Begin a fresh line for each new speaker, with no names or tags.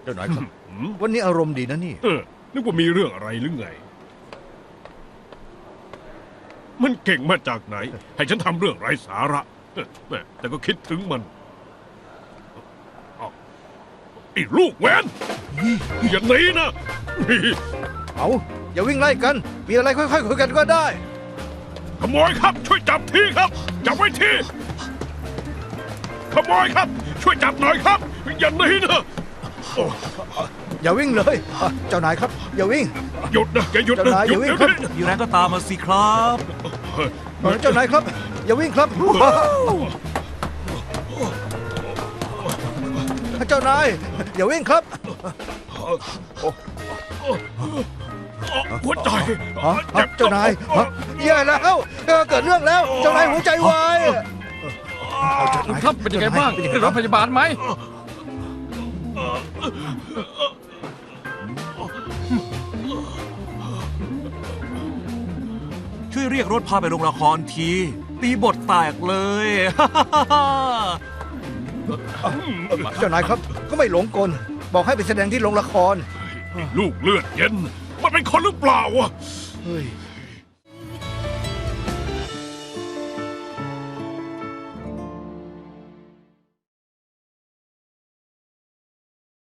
เจ้านายครับ วันนี้อารมณ์ดีนะนี่
นึกว่ามีเรื่องอะไรหรือไง มันเก่งมาจากไหน ให้ฉันทำเรื่องไร้สาระแม่แต่ก็คิดถึงมันอ้าวไอ้ลูกแวนอย่าหนีนะ
เอาอย่าวิ่งไล่กัน มีอะไรค่อยๆคุยกันก็ได้
ขโมยครับ ช่วยจับทีครับ จับไว้ทีขโมยครับ ช่วยจับหน่อยครับ อย่าหนีนะโอ้
อย่าวิ่งเลย เจ้านายครับ อย่าวิ่ง
หยุดนะอย่าหยุดนะ
เจ้านาย
หยุด
อย่าวิ่ง
เดี๋ยว
ครับ
นี้
มีแรงก็ตามมาสิครับ
เจ้านายครับ อย่าวิ่งครับ เจ้านาย อย่าวิ่งครับ
หัวใจ
เจ้านายแย่แล้วเกิดเรื่องแล้ว เจ้านายหัวใจวายเอาเจ้านาย
ครับเป็นยังไงบ้างได้รถพยาบาลไหม
ช่วยเรียกรถพาไปโรงละครที ตีบทแตกเลย
เจ้านายครับ ก็ไม่หลงกล บอกให้ไปแสดงที่โรงละคร
ลูกเลือดเย็น มันเป็นคนหรือเปล่าวะ
เฮ้ย